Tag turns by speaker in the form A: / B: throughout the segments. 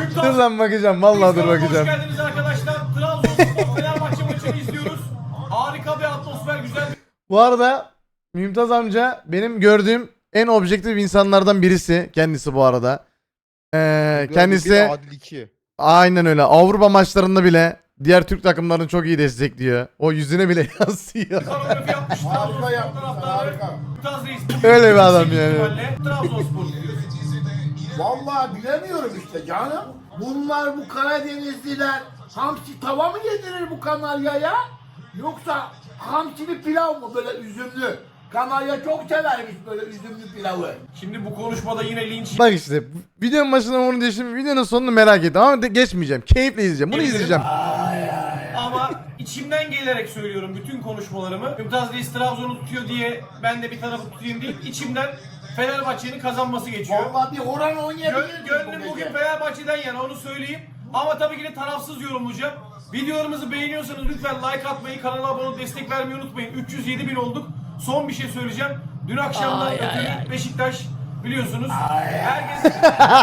A: Dur lan bakacağım. Vallahi dur
B: Hoş
A: bakacağım.
B: geldiniz arkadaşlar. Trabzonspor Fenerbahçe maçını izliyoruz. Harika bir atmosfer, güzel bir
A: Bu arada Mümtaz amca benim gördüğüm en objektif insanlardan birisi. Kendisi bu arada. Kendisi
C: Adil 2.
A: aynen öyle. Avrupa maçlarında bile diğer Türk takımlarını çok iyi destekliyor. O yüzüne bile yansıyor.
B: koreografi yapmış. Trabzonspor taraftarı.
C: harika.
B: Mümtaz Reis.
A: Öyle bir adam yani.
B: Trabzonspor diyoruz.
C: Vallahi bilemiyorum işte canım. Bunlar bu Karadenizliler hamsi tava mı yedirir bu Kanarya'ya? Yoksa hamsili pilav mı böyle üzümlü? Kanarya çok severmiş böyle üzümlü pilavı.
B: Şimdi bu konuşmada yine linç
A: Bak işte videonun başında onu diyeceğim. Videonun sonunu merak ettim ama geçmeyeceğim. Keyifle izleyeceğim. Bunu izleyeceğim.
B: ama içimden gelerek söylüyorum bütün konuşmalarımı. Mümtaz Reis Trabzon'u tutuyor diye ben de bir tarafı tutayım değil. İçimden Fenerbahçe'nin kazanması geçiyor.
C: Vallahi bir oran oynayabiliriz
B: Gönlüm bugün Fenerbahçe'den yana onu söyleyeyim. Ama tabii ki de tarafsız yorumlayacağım. Videolarımızı beğeniyorsanız lütfen like atmayı, kanala abone olup destek vermeyi unutmayın. 307.000 olduk. Son bir şey söyleyeceğim. Dün akşamdan ötürü Beşiktaş biliyorsunuz. Herkes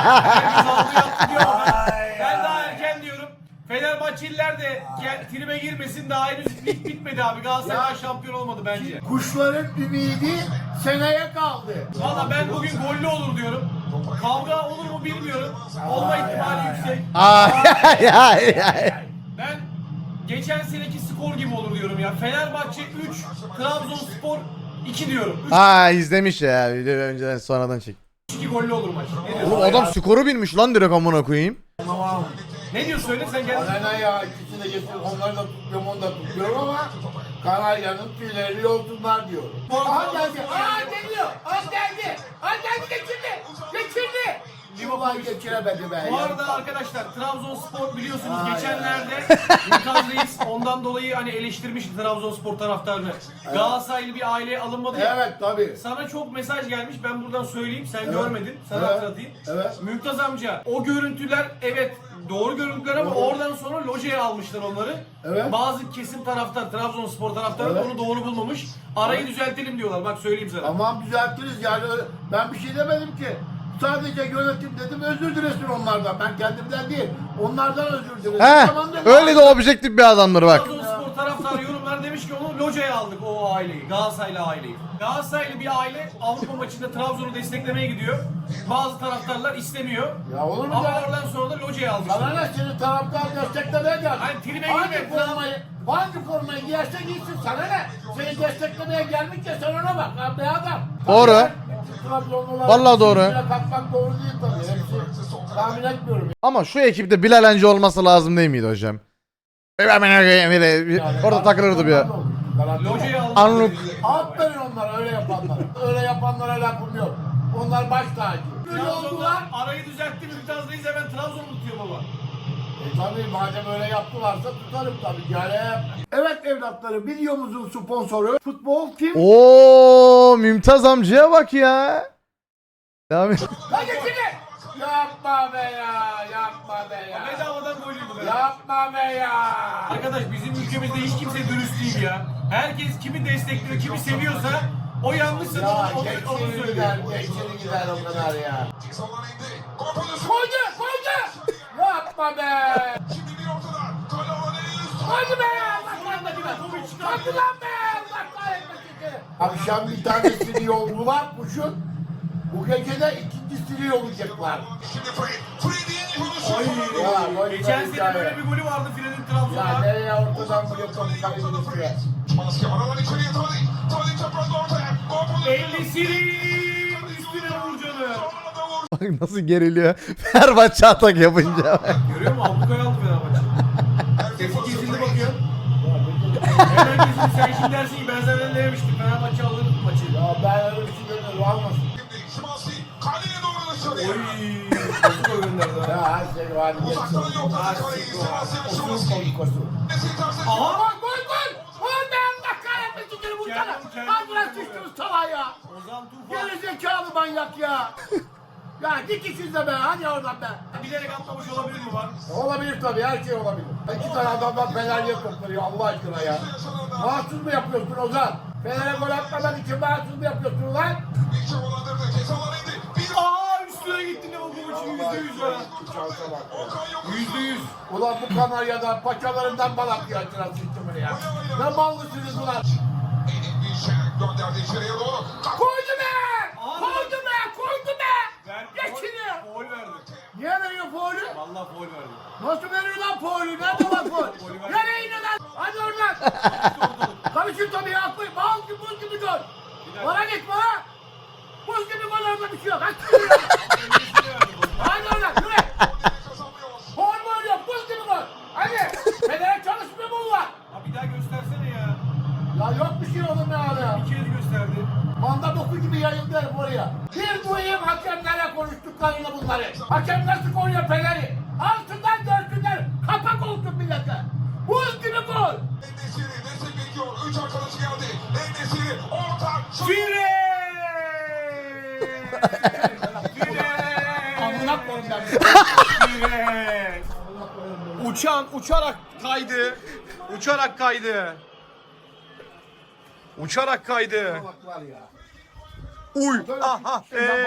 B: aldı yaptı diyor ama ben daha erken diyorum. Fenerbahçeliler de tribe girmesin, daha henüz bitmedi abi. Galatasaray şampiyon olmadı bence.
C: Kuşların ümidi seneye kaldı.
B: Valla ben bugün gollü olur diyorum. Kavga olur mu bilmiyorum. Olma ihtimali yüksek.
A: Ay, ay, ay.
B: Ben geçen seneki skor gibi olur diyorum ya. Fenerbahçe 3, Trabzonspor 2 diyorum.
A: Aa izlemiş ya. Videoyu önceden sonradan çek.
B: 3-2 gollü olur maç. Ne diyorsun?
A: Oğlum adam skoru bilmiş lan direkt amına koyayım.
C: Tamam.
B: Ne diyorsun söyle sen gel.
C: Bana ne ya ikisini de getir onları da tutmuyorum onu da tutmuyorum ama Kanarya'nın tüyleri yolsunlar diyor. Aha geldi. Aa geliyor. Aa geldi. Aa geldi geçirdi. Geçirdi. Vallahi geçiremedi be.
B: Bu arada arkadaşlar Trabzonspor biliyorsunuz geçenlerde Mümtaz Reis ondan dolayı hani eleştirmişti Trabzonspor taraftarını. Galatasaraylı bir aileye alınmadı ya.
C: Evet tabii.
B: Sana çok mesaj gelmiş. Ben buradan söyleyeyim. Sen görmedin. Sana
C: Evet.
B: hatırlatayım.
C: Evet.
B: Mümtaz amca o görüntüler evet doğru görüntüler ama oradan sonra lojeye almışlar onları.
C: Evet.
B: Bazı kesim taraftar, Trabzonspor taraftarı
C: Evet.
B: onu doğru bulmamış. Arayı düzeltelim diyorlar. Bak söyleyeyim sana.
C: Tamam düzeltiriz yani ben bir şey demedim ki. Sadece yönetim dedim özür dilesin onlardan. Ben kendimden değil. Onlardan özür dilesin.
A: He,
C: Tamam dedim.
A: öyle de objektif bir adamdır bak.
B: Trabzonspor taraftarı yorumlar demiş ki onu lojaya aldık o aileyi. Galatasaraylı aileyi. Galatasaraylı bir aile Avrupa maçında Trabzon'u desteklemeye gidiyor. Bazı taraftarlar istemiyor.
C: Ya olur mu
B: Ama
C: ya?
B: oradan sonra da lojaya almışlar.
C: Sana ne seni taraftar desteklemeye geldi.
B: Hani tribe
C: hangi
B: girme,
C: formayı giyerse giysin sana ne? Seni desteklemeye gelmiş ya sen ona bak lan be adam.
A: Doğru.
C: Trabzonlular
A: Vallahi doğru.
C: üstüne kalkmak doğru değil tabii. Hepsi tahmin etmiyorum.
A: Ama şu ekipte Bilal Hancı olması lazım değil miydi hocam? Orada takılırdı bir.
B: Lojaya almışlar.
A: Anlık.
C: Aferin onlara öyle yapanlara. Öyle yapanlara lafım yok. Onlar baş tacı. Böyle oldular.
B: Trabzon'dan arayı düzeltti Mümtaz Reis hemen Trabzon'u tutuyor baba.
C: Tabii madem öyle yaptılarsa tutarım tabii. Yani. Evet evlatlarım videomuzun sponsoru Futbol Kim?
A: Oo Mümtaz amcaya bak ya. Devam et.
C: Lan geçini! Yapma be ya, yapma be ya.
B: Bedavadan golüydü be.
C: Yapma be ya.
B: Arkadaş bizim ülkemizde hiç kimse dürüst değil ya. Herkes kimi destekliyor, kimi seviyorsa o yanlışsa
C: Ya
B: onu
C: geçini
B: söylüyor.
C: gider o kadar ya. Koydu, koydu! Yapma be! Koydu be ya! Koydu lan be! Allah kahretmesin. Akşam bir tanesini yoldular kuşun. Bu gece de ikincisini yollayacaklar. Ya, koydu
B: Geçen
C: be
B: sene
C: hikaye.
B: böyle bir golü vardı Fred'in
C: Ya
B: Trabzon'da.
C: nereye ortadan buraya topu kaybediyorsun?
B: Ellisinin üstüne vurcanı.
A: Bak nasıl geriliyor. Fenerbahçe atak yapınca.
B: Görüyor musun? Ablukaya aldı Fenerbahçe. Sesi kesildi bakıyor. Hemen kesildi. Sen şimdi dersin ki ben sana ne demiştim. Fenerbahçe alır bu maçı.
C: Ya ben öyle bir şey görmedim almasın.
B: Oy. Nasıl gol gönderdi ha?
C: Ya her şey var.
B: Aha.
C: Gol gol! Gol be Allah kahretmesin seni vursana! Al bırak sıçtınız salağa ya!
B: Ozan Tufan.
C: Geri zekalı manyak ya! Ya git işinize be hadi oradan be!
B: Bilerek atlamış olabilir mi var?
C: Olabilir tabii her şey olabilir. İki tane adamdan Fener'e toplanıyor Allah aşkına ya. Mahsus mu yapıyorsun Ozan? Fener'e gol atmadan için mahsus mu yapıyorsun lan?
B: Aa üstüne üstüne gitti ne oldu bu için %100 ya.
C: Şansa bak.
B: %100.
C: Ulan bu Kanarya'dan paçalarından balak ya itiraz sistemini ya. Ne ballısınız ulan.
D: Gönderdi içeriye doğru.
C: Koydu be! Koydu be! Koydu be! Geçiniyor.
B: Foul verdi.
C: Niye veriyor faulü?
B: Vallahi foul verdi.
C: Nasıl veriyor lan faulü? Nerede var faul? Nereye iniyor lan? Hadi oradan. Karışır tabii ya. Bal gibi buz gibi gol. Bana git bana. Buz gibi gol orada bir şey yok. Hadi oradan yürü. Faul mu oluyor? Buz gibi gol. Hadi. Federe çalışmıyor mu bu var?
B: Ha bir daha göstersene ya.
C: Ya yok bir şey oğlum ya abi ya.
B: Bir kez gösterdi.
C: Manda boku gibi yayıldı herif oraya. Bir duyayım hakemlerle konuştuklarını bunları. Hakem nasıl koruyor Fener'i? Altından dörtünden kapak olsun millete. Buz gibi gol.
D: Enesiri destek bekliyor. 3 arkadaşı geldi. Enesiri orta.
B: Fire!
C: Amına koyayım ben.
B: Fire! Uçarak kaydı. Uçarak kaydı. Uçarak kaydı.
C: Bak var ya.
B: Uy.
C: Aha.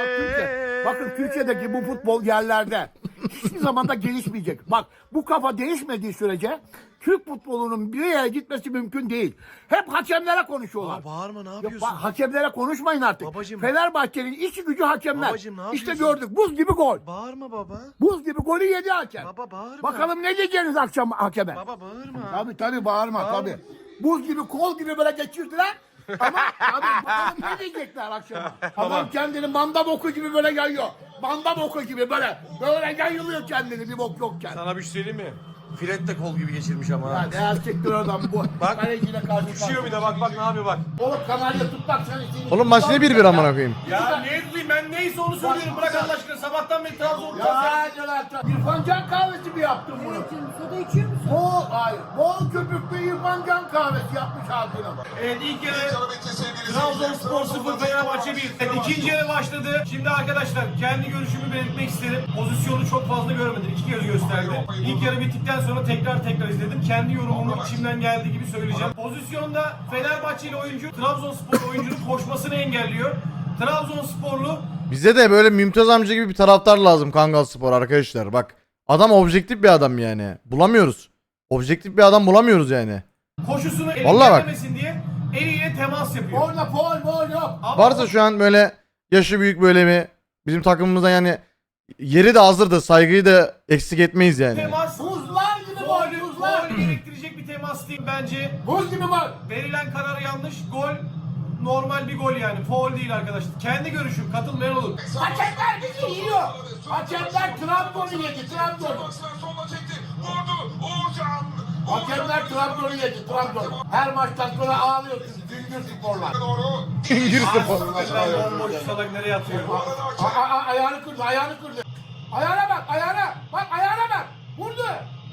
C: Bakın Türkiye'deki bu futbol yerlerde hiçbir zaman da gelişmeyecek. Bak bu kafa değişmediği sürece Türk futbolunun bir yere gitmesi mümkün değil. Hep hakemlere konuşuyorlar.
E: Bağırma ne
C: Ya
E: yapıyorsun?
C: hakemlere konuşmayın artık.
E: Babacım.
C: Fenerbahçe'nin işi gücü hakemler.
E: Babacım, ne
C: İşte
E: yapıyorsun?
C: gördük buz gibi gol.
E: Bağırma baba.
C: Buz gibi golü yedi hakem.
E: Baba bağırma.
C: Bakalım ne diyeceğiniz akşam hakeme.
E: Baba bağırma.
C: Tabii bağırma tabii. Buz gibi kol gibi böyle geçirdiler. Ama tabii bakalım ne diyecekler akşama. Adam kendini manda boku gibi böyle yayıyor. Manda boku gibi böyle. Böyle yayılıyor kendini bir bok yokken.
B: Sana bir şey söyleyeyim mi?
E: Filet kol gibi geçirmiş ama.
C: Ya ne erkektir adam bu.
E: Bak.
C: Kaleciyle karşı
B: Uçuyor bir de bak ne yapıyor bak.
C: Oğlum kanalya tutmak sen için.
A: Oğlum maç ne 1-1 amına koyayım.
B: Ya ne tutayım ben neyse onu söylüyorum bırak Allah aşkına sabahtan beri Trabzon'da.
C: Ya hadi lan. İrfan Can kahvesi mi yaptın bunu?
F: Soda içiyor musun?
C: Bol köpüklü İrfan Can kahvesi yapmış ağzına.
B: Evet ilk yarı
D: Canı bitti sevgili
B: Trabzonspor 0 Fenerbahçe 1. Evet, İkinci yarı başladı. Şimdi arkadaşlar kendi görüşümü belirtmek isterim. Pozisyonu çok fazla görmedim. İki kez gösterdi. İlk yarı bittikten sonra tekrar izledim. Kendi yorumumu içimden geldiği gibi söyleyeceğim. Pozisyonda Fenerbahçeli oyuncu Trabzonspor oyuncunun koşmasını engelliyor. Trabzonsporlu
A: Bize de böyle Mümtaz amca gibi bir taraftar lazım Kangal Spor arkadaşlar. Bak adam objektif bir adam yani. Bulamıyoruz. Objektif bir adam bulamıyoruz yani.
B: koşusunu
A: Vallahi bak.
B: engellemesin diye eliyle temas yapıyor.
C: Orada gol yok.
B: Ama
A: Varsa şu an böyle yaşı büyük böyle mi bizim takımımızda yani yeri de hazırdı. Saygıyı da eksik etmeyiz yani.
B: temas
C: Buzlar gibi gol, buzlar.
B: gol gerektirecek bir temas değil bence.
C: Buz gibi gol.
B: Verilen karar yanlış. Gol normal bir gol yani. Foul değil arkadaşlar. Kendi görüşüm. Katılmayan olur.
C: Hakemler bizi yiyor. Hakemler Trabzon'u yedi, Trabzon'u.
D: Sonuna çekti. Vurdu. Uğurcan.
C: Hakemler Trabzon'u yedi, Trabzon. Her maçtan sonra ağlıyorsunuz, Güngör Sporlar.
D: Doğru.
A: Güngör Spor.
B: Bomboş salak nereye atıyor?
C: Ayağını kırdı, ayağını kırdı. Ayağına bak, ayağına. Bak ayağına bak. Vurdu.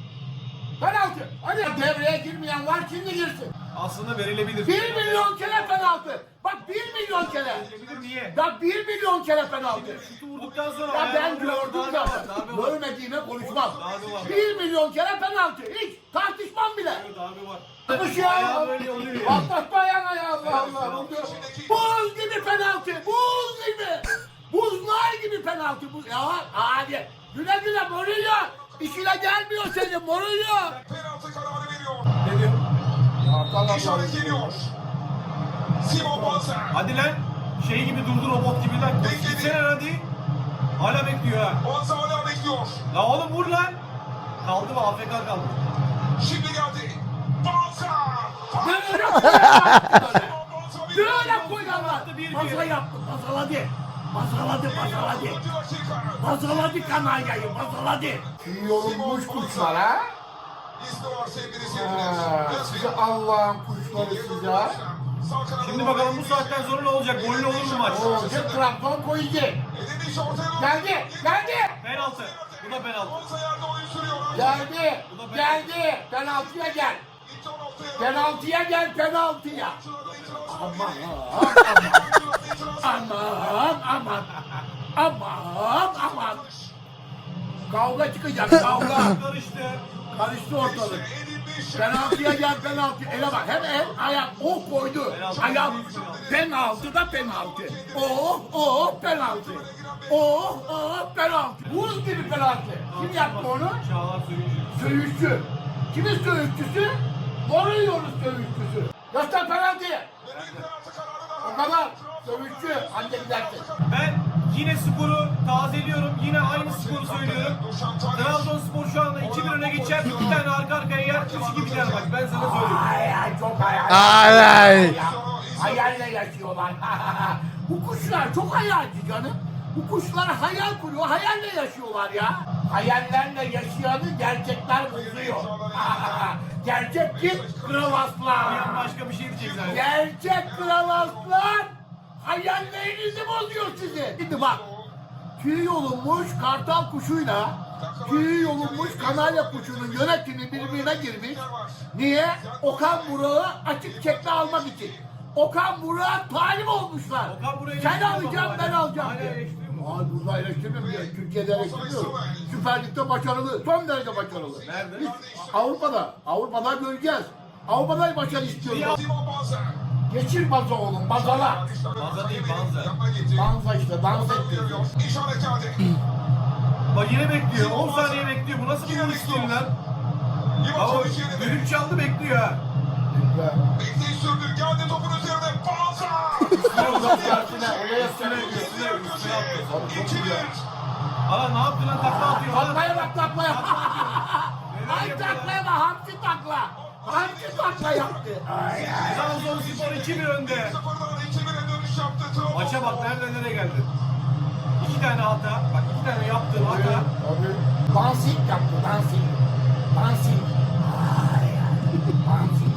C: Penaltı. Hadi devreye girmeyen var, şimdi girsin.
B: Aslında verilebilir.
C: 1 milyon kere penaltı. Bak 1 milyon kere.
B: Verilebilir niye?
C: Bak 1 milyon kere penaltı.
B: Şutu vurduktan sonra
C: Ya ben
B: ayağına vuruyor.
C: gördüm
B: Darbe var,
C: zaten.
B: darbe var.
C: Görmediğime konuşmam.
B: Darbe var.
C: 1 milyon kere penaltı. Hiç tartışmam bile.
B: Darbe var.
C: Yapış ya.
B: Ayağı böyle oluyor ya.
C: Atlatma ayağına ya Allah Allah. Buz gibi penaltı. Buz gibi. Buzlar gibi penaltı. Buz. Ya hadi. Güle güle Mourinho. İşine gelmiyor senin Mourinho.
D: Penaltı kararı veriyor.
B: Ne diyor?
D: İşaret geliyor. Simon Banzer.
B: Hadi lan. Şey gibi durdu robot gibi lan.
D: Bekledi.
B: Gitsene hadi. Hala bekliyor ha.
D: Banzer hala bekliyor.
B: La oğlum vur lan. Kaldı mı? AFK kaldı.
D: Şimdi geldi. Banzer.
C: Böyle koyarlar.
D: Banzer
C: Böyle koyarlar.
B: Bir
C: Masala yaptı. Masaladı. Masaladı. Masaladı.
D: 4. dakika.
C: Masaladı kanaryayı. Masaladı. Yorulmuş kuşlar ha.
D: İsmi var sevgili
C: Size Allah'ın kuşları size.
B: Şimdi bakalım bu saatten sonra ne olacak? Gollü olur mu maç?
C: Olacak Trabzon koyacak.
D: Elini ortaya doğru.
C: Geldi. Geldi.
B: Penaltı. Bu da penaltı.
D: Banzer yerde oyun sürüyor.
C: Geldi. Geldi. Penaltıya gel.
D: İlk on noktaya.
C: Penaltıya gel penaltıya. Aman aman. Aman aman. Kavga çıkacak kavga.
B: Karıştı.
C: Karıştı ortalık.
D: Edin
C: Penaltıya gel penaltı. Ele bak hem el ayak o koydu. Ayak penaltı da penaltı. Penaltı. Penaltı. Buz gibi penaltı. Kim yaptı onu?
B: Çağlar Söyüncü.
C: Söğüşçü. Kimin söğüşçüsü? Moruyoruz söğüşçüsü. Göster penaltıyı. O kadar. Söğüşçü. Anca gidersin.
B: Ben yine skoru tazeliyorum. Yine aynı skoru söylüyorum. Trabzonspor şu anda 2-1 öne geçer. 2 tane arka arkaya yer. 3-2 biter maç. Ben sana söylüyorum.
C: Ay çok hayal.
A: Ay ay.
C: Hayalle yaşıyorlar. Bu kuşlar çok hayalci canım. Bu kuşlar hayal kuruyor, hayalle yaşıyorlar ya. Hayallerle yaşayanı gerçekler bozuyor. Gerçek kim? Kral Aslan.
B: Başka bir şey diyecek zaten.
C: Gerçek Kral Aslan hayallerinizi bozuyor sizi. Şimdi bak, tüy yolunmuş kartal kuşuyla tüy yolunmuş kanarya kuşunun yönetimi birbirine girmiş. Niye? Okan Burak'ı açık çekme almak için. Okan Burak'a talip olmuşlar.
B: Okan Burak'ı
C: Sen
B: eleştiriyor
C: alacaksın,
B: baba,
C: ben
B: hala.
C: alacağım
B: Hala
C: diye.
B: eleştiriyor mu?
C: Hayır, burada eleştirmiyorum ya. Türkiye'de eleştiriyorum. Süper Lig'de başarılı, son derece başarılı.
B: Nerede?
C: Biz Avrupa'da göreceğiz. Avrupa'da başarı istiyoruz. Geçir baza oğlum, bazala.
B: Banza değil, Banza.
C: Dansa işte, dans ettiriyor.
B: Bak yine bekliyor. 10 saniye bekliyor. Bu nasıl bir vuruş stili lan? Ama düdük çaldı bekliyor ha. Aa ne yaptı lan, takla atıyor.
C: Taklaya bak, taklaya. Ay taklaya bak, hamsi takla. Hamsi takla yaptı. Ay ay.
B: Trabzonspor 2-1 önde. Maça bak nereye geldi. 2 tane hata. Bak 2 tane yaptığı hata.
C: Dansing yaptı, dansing. Dansing. Ay ay. Dansing.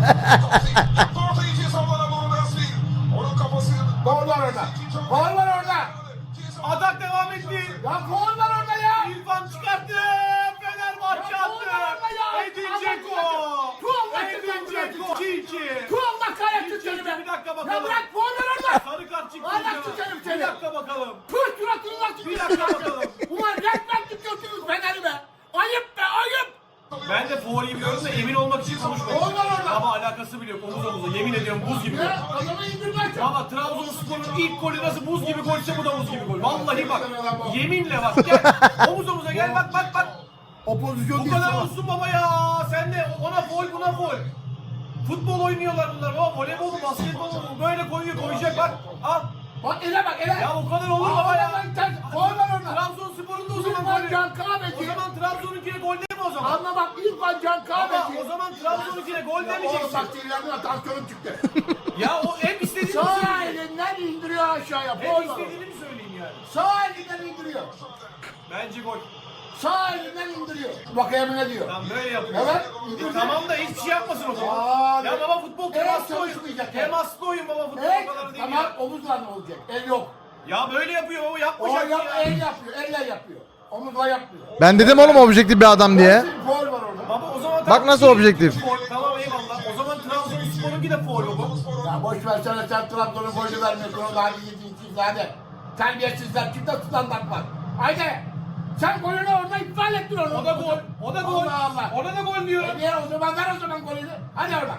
C: Gol var orada. Gol var orada.
B: Atak devam etti.
C: Ya gol var orada ya.
B: İrfan çıkarttı. Fenerbahçe
C: Ya
B: attı.
C: gol var orada ya.
B: Edin Dzeko.
C: Tuğla
B: Edin Dzeko. 2-2.
C: Tuğla kaya tutuyorum ben.
B: Bir dakika
C: Ya
B: bakalım.
C: bırak gol var orada.
B: Sarı kart çıktı.
C: Hala
B: hocam.
C: tutarım
B: Bir
C: seni.
B: dakika bakalım.
C: Pıh suratını nasıl
B: Bir dakika bakalım.
C: Ulan resmen tutuyorsunuz Fener'i be. Ayıp be ayıp.
B: Ben de Fuori'yi biliyorum da emin olmak için konuşmadım.
C: Gol var orada.
B: Ama alakası bile yok. Omuz omuza. Yemin ediyorum buz gibi.
C: Ya adamı indirmek yok.
B: Ama Trabzonspor'un ilk golü nasıl buz gibi golse bu da buz gibi gol. Vallahi bak. Yeminle bak. Gel. Omuz omuza gel bak bak bak.
C: O pozisyon
B: Bu
C: değil.
B: kadar
C: sana.
B: olsun baba ya. Sen de ona foul buna foul. Futbol oynuyorlar bunlar. Baba voleybol mu basketbol mu? Böyle koyacak bak. Al.
C: Bak ele bak ele.
B: Ya o kadar olur baba ya.
C: Gol var orada.
B: Trabzonspor'un da o zaman
C: İrfan
B: golü.
C: Can
B: O
C: Kahveci.
B: zaman Trabzon'unkine gol değil mi o zaman?
C: Anla bak İrfan Can
B: Ama
C: Kahveci.
B: o zaman Trabzon'unkine gol
C: Oğlum
B: demeyeceksin.
C: bak sinirlendim, tansiyonum çıktı.
B: Ya o hep istediğini mi
C: Sağ
B: söyleyeyim?
C: elinden indiriyor aşağıya.
B: Hep
C: Gol var.
B: istediğini mi söyleyeyim yani?
C: Sağ elinden indiriyor.
B: Bence gol.
C: Sağ elinden indiriyor. Bakayım ne diyor.
B: Tamam böyle yapıyor.
C: Evet.
B: Tamam da hiçbir şey yapmasın o zaman.
C: Aa,
B: Ya baba futbol
C: evet,
B: temaslı oyun.
C: çalışmayacak.
B: Temaslı oyun baba futbol
C: Evet,
B: o kadar değil
C: tamam
B: ya.
C: omuzla ne olacak? El yok.
B: Ya böyle yapıyor baba
C: O
B: yapmayacak
C: yap,
B: ya.
C: el yapıyor, elle yapıyor. Omuzla yapmıyor.
A: Ben dedim oğlum objektif bir adam diye.
C: Gol var orada.
B: Baba o zaman
A: Bak nasıl objektif.
B: Foul, tamam eyvallah. O zaman Trabzonspor'unki de foul baba.
C: Ya boş versene sen Trabzon'un golü vermiyorsun. O da hadi yediğin hadi. Terbiyesizler kimde standart var? Haydi. Sen golünü orada iptal ettin onu.
B: O da gol. O da gol.
C: Allah Allah.
B: Ona da gol diyor.
C: Niye o zaman ver o zaman golünü. Hadi oradan.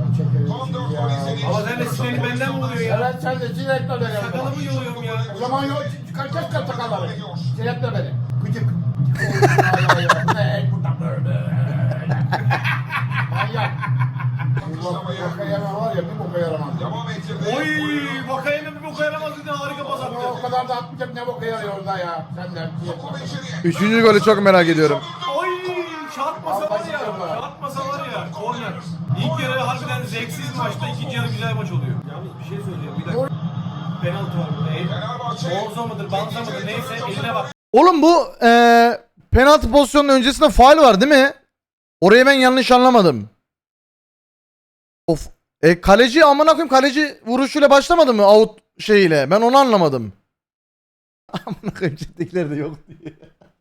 B: Ama sen de sinirli benden mi oluyor ya?
C: Evet sen de sinirletme beni.
B: Sakalımı yoluyorum ya.
C: O zaman yok çıkaracak kaç sakalları. Sinirletme beni. Gıcık. Ay, bu ne el burada böyle. Manyak. Bu boka yaramaz var ya bir boka yaramaz.
B: Oy Vakayeme bir boka yaramaz dedi, harika pas attı.
C: O kadar da atmayacak ne boka yarıyor orada ya. Sen de.
A: Üçüncü golü çok merak ediyorum.
B: Oy çarpmasa var ya. Çarpmasa var ya. Korner. İlk yarı harbiden zevksiz maçta, ikinci yarı güzel maç oluyor. Yalnız bir şey söyleyeceğim bir dakika. Penaltı var burada. Orzo mudur, Banza mıdır neyse eline bak.
A: Oğlum bu penaltı pozisyonunun öncesinde faul var değil mi? Orayı ben yanlış anlamadım. Of. Kaleci amına koyayım, kaleci vuruşuyla başlamadı mı out şeyiyle? Ben onu anlamadım. Amına koyayım chat'tekiler de yok diye.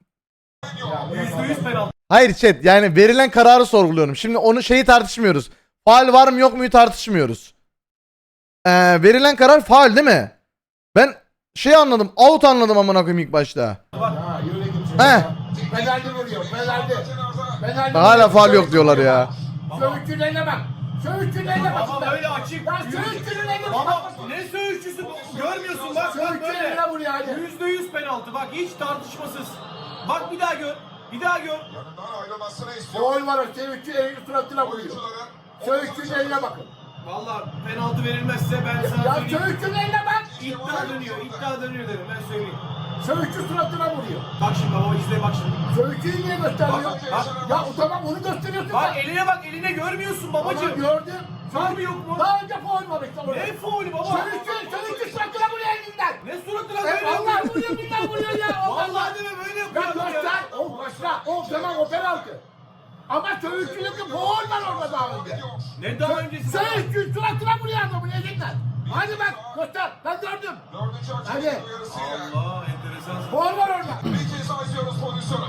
B: %100 penaltı.
A: Hayır chat, yani verilen kararı sorguluyorum. Şimdi onu şeyi tartışmıyoruz. Faul var mı yok muyu tartışmıyoruz. Verilen karar faul değil mi? Ben şey anladım, out anladım amına koyayım ilk başta.
C: Ya yürü git.
A: He.
C: Penaltı vuruyor. Penaltı. Penaltı.
A: Hala faul yok diyorlar ya.
C: Söğüşçünün eline bak. Söğüşçünün eline bak.
B: Ama böyle açık.
C: Ya söğüşçünün eline bak.
B: Baba ne söğüşçüsü görmüyorsun bak. Bak
C: Söğüşçünün
B: böyle.
C: eline vuruyor hadi.
B: %100 penaltı bak hiç tartışmasız. Bak bir daha gör. Bir daha gör.
D: Yanından ayrılmasını istiyor.
C: Gol var o söğüşçü elini suratına vuruyor. Söğüşçünün eline bakın.
B: Valla penaltı verilmezse ben sana
C: Ya
B: söyleyeyim.
C: söğüşçünün eline bak.
B: İddia dönüyor dedim ben söyleyeyim.
C: Söğüşçü suratına vuruyor.
B: Bak şimdi baba izle bak şimdi.
C: Söğüşçüyü niye gösteriyor?
B: Bak.
C: Ya o tamam onu gösteriyorsun.
B: Bak eline bak eline görmüyorsun
C: Tamam
B: babacığım.
C: gördüm.
B: Var mı yok mu?
C: Daha önce faul var işte orada.
B: Ne faulü baba?
C: Söğüşçü suratına vuruyor elinden.
B: Ne suratına
C: Evet
B: böyle
C: Allah vuruyor billahi vuruyor ya.
B: Vallahi deme böyle
C: Ya
B: yapıyor adam
C: göster. O başla. O tamam o penaltı. Ama söğüşçülükte faul var orada daha önce.
B: Ne daha öncesi?
C: Söğüşçü suratına vuruyor adamın elinden. Hadi bak göster. Ben gördüm.
D: Dördüncü
C: Hadi.
D: hakemin uyarısıyla.
B: Allah enteresan.
C: Faul var orada.
D: Bir kez daha izliyoruz pozisyonu.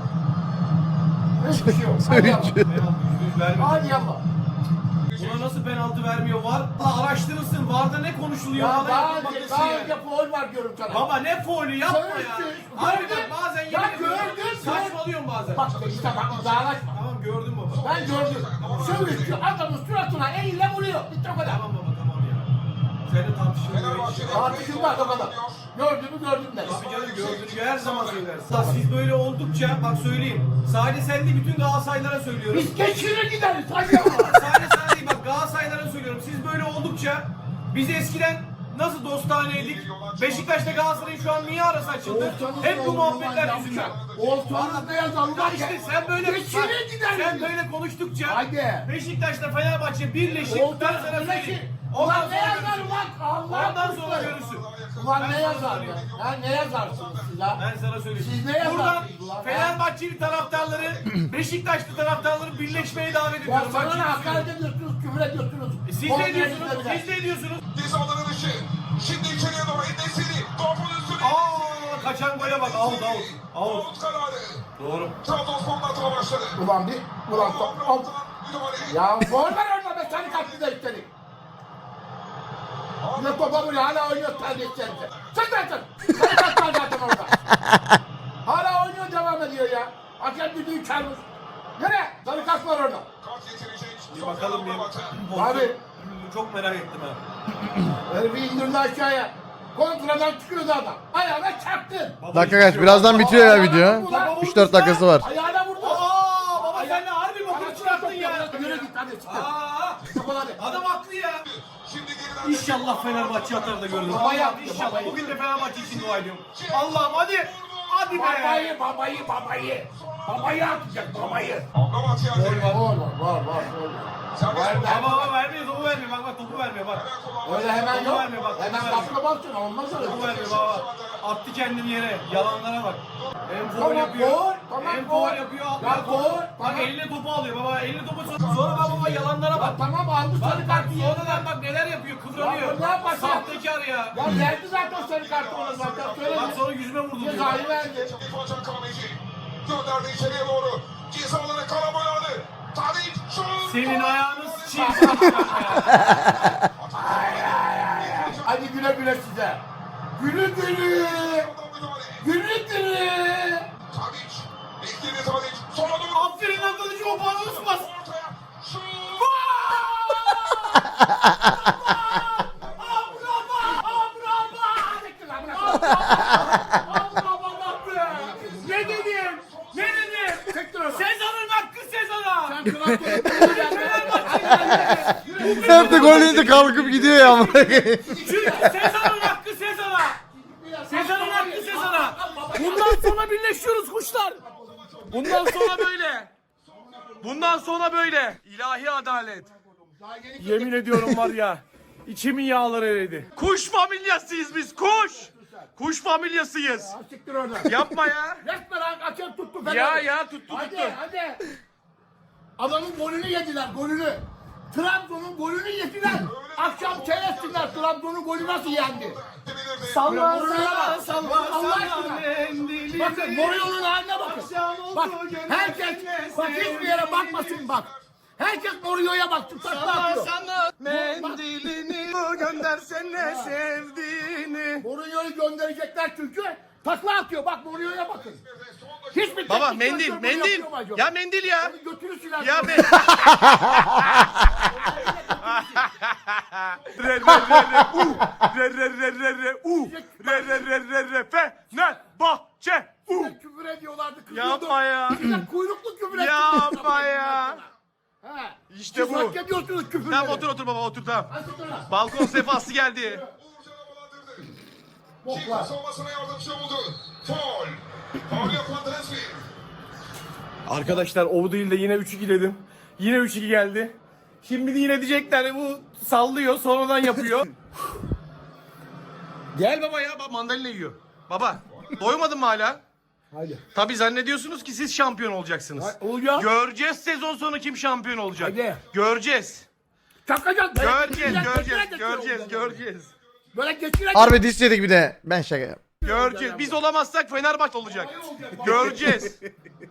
C: Hiçbir şey yok. Hadi yallah.
B: Penaltı %100 vermedi.
C: Hadi yallah.
B: Buna nasıl penaltı vermiyor? Var araştırırsın. Varda ne konuşuluyor?
C: Ya
B: Bana
C: daha
B: yapılması
C: önce, daha
B: yani.
C: önce faul var diyorum sana.
B: Baba ne faulü yapma ya.
C: Söğüşçü,
B: Abi
C: gördün.
B: bak bazen
C: Ya
B: yemin ediyorum,
C: gördün.
B: saçmalıyorsun bazen.
C: Bak işte bak uzağlaşma.
B: Tamam gördüm baba.
C: Ben gördüm. Söğüşçü adamın suratına eliyle vuruyor. Bitti o kadar.
B: Tamam baba tamam ya. Seninle tartışılmıyor.
D: Fenerbahçe'de
C: Tartışılmaz o kadar. Gördüğümü gördüm de.
B: Abi canım gördüğünü her zaman söylersin. Siz böyle oldukça bak söyleyeyim. Sadece sen değil bütün Galatasaraylılara söylüyorum.
C: Biz geçirir gideriz. Hadi ama.
B: Sadece sana değil bak Galatasaraylılara söylüyorum. Siz böyle oldukça biz eskiden nasıl dostaneydik? Beşiktaş'ta Galatasaray'ın şu an niye arası açıldı? Hep bu muhabbetler yüzünden.
C: Olsanız ne yazalım?
B: Ya işte sen böyle
C: Geçirir gideriz.
B: sen böyle konuştukça
C: Hadi.
B: Beşiktaş'ta Fenerbahçe birleşik
C: Olsanız
B: ben sana
C: birleşik.
B: söyleyeyim.
C: Ulan ne yazar
B: görürsün.
C: ulan? Allah
B: Ondan sonra
C: korusun.
B: görürsün.
C: Ulan
B: Ben
C: ne
B: sana
C: yazar
B: söyleyeyim.
C: ya? Ya ne yazarsınız siz ha?
B: Ben sana söyleyeyim.
C: Siz ne yazarsınız
B: Buradan
C: ulan?
B: Fenerbahçeli taraftarları, Beşiktaşlı taraftarları birleşmeye davet
C: Ya
B: ediyorum.
C: sana
B: Bak
C: ne
B: şimdi
C: hakaret ediyorsunuz, küfür ediyorsunuz.
B: siz ne ediyorsunuz? Siz ne ediyorsunuz?
D: cezaları dışı. Şimdi içeriye doğru Enesiri. Topun üstüne.
B: Aa kaçan gole bak. Out.
D: Out kararı.
B: Doğru.
D: Trabzonspor'un hata başladı.
C: Ulan bir, ulan top, al.
D: Müdahale.
C: Ya gol var orada be, seni kaçtı da üstelik. Ne topa vuruyor, hala oynuyor terbiyesizlerce. Çık lan çık. Seni kaçtı zaten orada. Hala oynuyor, devam ediyor ya. Hakem düdüğü çalmış. Nereye? Sarı kart var orada.
D: Kart getirecek.
B: Bir bakalım bir.
C: Abi.
B: Çok merak ettim ha.
C: Herifi indirdi aşağıya. Kontradan çıkıyordu adam. Ayağına çarptın.
A: Dakika kaç? Birazdan bitiyor ya
C: Ayağına
A: video.
C: vurdu lan.
A: 3-4 dakikası var.
C: Ayağına vurdu.
B: Aa baba sen de harbi bokunu çıkarttın ya.
C: Yürü git hadi çık.
B: Aa
C: Çık hadi.
B: adam haklı ya.
D: Şimdi geriden.
B: İnşallah Fenerbahçe atar da görürüz.
C: Baba yaptı,
B: İnşallah
C: babayı.
B: bugün de Fenerbahçe için dua ediyorum. Allah'ım hadi. Hadi be.
C: Babayı atacak babayı.
D: Amrabat geldi.
C: Var.
D: Serbest
B: Ama baba vermiyor topu vermiyor bak topu vermiyor bak.
C: Öyle hemen
B: Topu
C: yok.
B: vermiyor bak.
C: Hemen
B: Topu vermiyor.
C: kapına baksın olmaz öyle.
B: Topu vermiyor baba. Attı kendini yere. Yalanlara bak. Hem foul
C: Tamam,
B: yapıyor.
C: gol. Tamam,
B: Hem
C: gol.
B: foul yapıyor.
C: Ya, gol.
B: Bak
C: Tamam.
B: eline topu alıyor baba. Eline topu sonra baba yalanlara
C: Bak
B: bak.
C: tamam aldı sarı
B: Bak
C: kartı.
B: sonradan bak neler yapıyor kıvranıyor.
C: Ya, ne yapacak?
B: Sahtekar ya.
C: Ya verdi zaten sarı kartı ona zaten
B: Bak
C: söyledi.
B: sonra yüzüme vurdu diyor.
C: Cezayı verdi.
D: İrfan Kahveci gönderdi içeriye doğru. Cezaları karaboyalı. Tadic şut.
B: Senin ayağını sıçayım.
C: Hadi güle güle size. Gülü gülü. Gülü gülü.
D: Tadic. Bekledi Tadic. Sola doğru.
B: Aferin lan kılıcı o bana ısmaz.
D: Ortaya. Şut.
B: Ne dedim? Ne dedim? Sezon'un hakkı Sezon'a.
A: Hep de gol yiyince kalkıp gidiyor ya. amına koyayım.
B: Çünkü Sezon'un hakkı Sezon'a. Sezon'un hakkı Sezon'a. Bundan sonra birleşiyoruz kuşlar. Bundan sonra böyle. Bundan sonra böyle. İlahi adalet. Yemin ediyorum var ya. İçimin yağları eridi. Kuş familyasıyız biz kuş. Kuş familyasıyız.
C: Siktir orada.
B: Yapma ya.
C: Resmen hakem tuttu.
B: Ya tuttu.
C: Hadi. Adamın golünü yediler, golünü. Trabzon'un golünü yediler. Akşam seyretsinler Trabzon'un golü nasıl yendi.
B: Salla
C: Allah aşkına. Bakın Mourinho'nun haline bakın. Bak herkes bak hiçbir yere bakmasın bak. Herkes Mourinho'ya baktı. Takla atıyor.
B: Mendilini göndersene sevdiğini.
C: Mourinho'yu gönderecekler çünkü Takla atıyor bak Mourinho'ya bakın. Hiçbir
E: Baba
C: teknik
E: mendil,
C: direktör bunu
E: mendil.
C: yapıyor mu acaba?
E: Ya mendil ya.
C: Onu götürür siler.
E: Ya me... Fenerbahçe.
C: Size küfür ediyorlardı. kızıyordu.
E: Yapma ya.
C: Size kuyruklu küfür ettik.
E: Yapma ya.
C: He.
E: İşte
C: Siz
E: bu.
C: hak ediyorsunuz küfürleri.
E: Tamam otur baba otur tamam.
C: Hadi sonra.
E: Balkon sefası geldi.
D: Uğurcan havalandırdı.
C: Boklar.
D: Çiğ savunmasına yardımcı oldu. Faul. Faul yapan Dresli.
B: Arkadaşlar o değil de yine 3-2 dedim. Yine 3-2 geldi. Şimdi de yine diyecekler bu sallıyor sonradan yapıyor.
E: Gel baba ya bak mandalina yiyor. Baba doymadın mı hala?
C: Hadi.
E: Tabii zannediyorsunuz ki siz şampiyon olacaksınız.
C: Olacak.
E: Göreceğiz sezon sonu kim şampiyon olacak.
C: Hadi.
E: Göreceğiz.
C: Çakacak.
E: Göreceğiz.
C: Böyle geçirecek.
A: Harbi diss yedik bir de. Ben şaka yap.
E: Göreceğiz. Biz olamazsak Fenerbahçe olacak. Göreceğiz.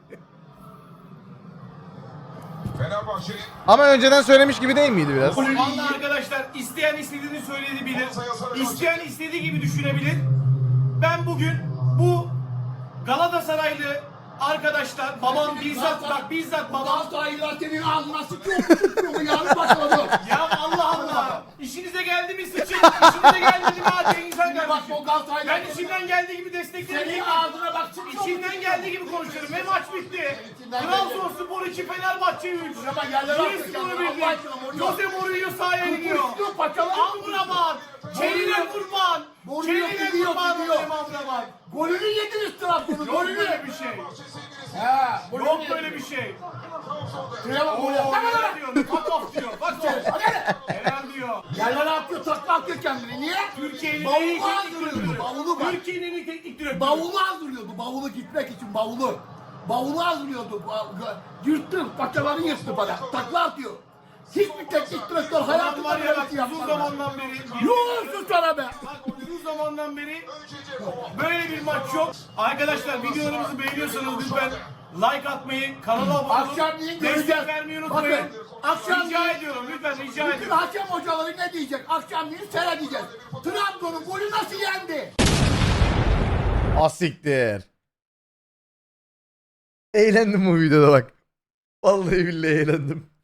D: Fenerbahçe'nin
A: Ama önceden söylemiş gibi değil miydi biraz?
B: Vallahi arkadaşlar isteyen istediğini söyleyebilir. İsteyen istediği gibi düşünebilir. Ben bugün bu Galatasaraylı arkadaşlar babam bizzat babam
C: Galatasaraylılar senin ağzına sıkıyor mu? Yarın başladı.
B: ya Allah Allah işinize geldi mi sıçın işinize geldi mi hadi insan
C: Bak
B: kardeşim.
C: o Galatasaraylılar.
B: Ben içimden geldiği gibi desteklerim.
C: Senin ağzına bak sıkıyor.
B: İçimden geldiği gibi konuşuyorum ve maç bitti.
C: İçinden
B: Trabzonspor 2 Fenerbahçe 3.
C: Ama yerlere atıyor
B: Bir
C: kendini,
B: skoru bildi.
C: Allah aşkına Mourinho.
B: Jose Mourinho sahaya iniyor.
C: Kuşluyor paçaları.
B: Amrabat. Çeline kurban.
C: Mourinho
B: Çeline
C: gidiyor,
B: kurban
C: gidiyor.
B: olayım Amrabat.
C: Golünü yediniz Trabzon'un.
B: Yok böyle bir şey.
C: He.
B: Yok böyle bir şey.
C: Şuraya bak
B: Oo,
C: oraya.
B: helal diyor. Fuck off diyor. Fuck off.
C: Hadi.
B: Helal diyor.
C: Yerlere atıyor, takla atıyor kendini. Niye?
B: Türkiye'nin en
C: Bavulu
B: iyi teknik
C: hazırlıyordu.
B: direktörü.
C: Bavulu bak.
B: Türkiye'nin en iyi teknik direktörü.
C: Bavulu hazırlıyordu. Bavulu gitmek için bavulu. Bavulu hazırlıyordu. Yırttı. Paçaları yırttı bana. Takla atıyor. Hiçbir teknik direktör
B: Adam
C: hayatında
B: var ya
C: böyle
B: bak
C: bir şey
B: uzun
C: yapmadı.
B: zamandan beri.
C: Yuh sus sana be.
B: Bak uzun zamandan beri böyle bir maç yok. Arkadaşlar videolarımızı beğeniyorsanız lütfen like atmayı, kanala abone olun.
C: Akşamleyin göreceğiz.
B: Destek vermeyi unutmayın.
C: Bakın, akşamleyin-
B: Rica ediyorum lütfen rica
C: Bütün
B: ediyorum.
C: hakem hocaları ne diyecek? Akşamleyin seyredeceğiz. Trabzon'un golü nasıl yendi?
A: Asiktir. Eğlendim bu videoda bak. Vallahi billahi eğlendim.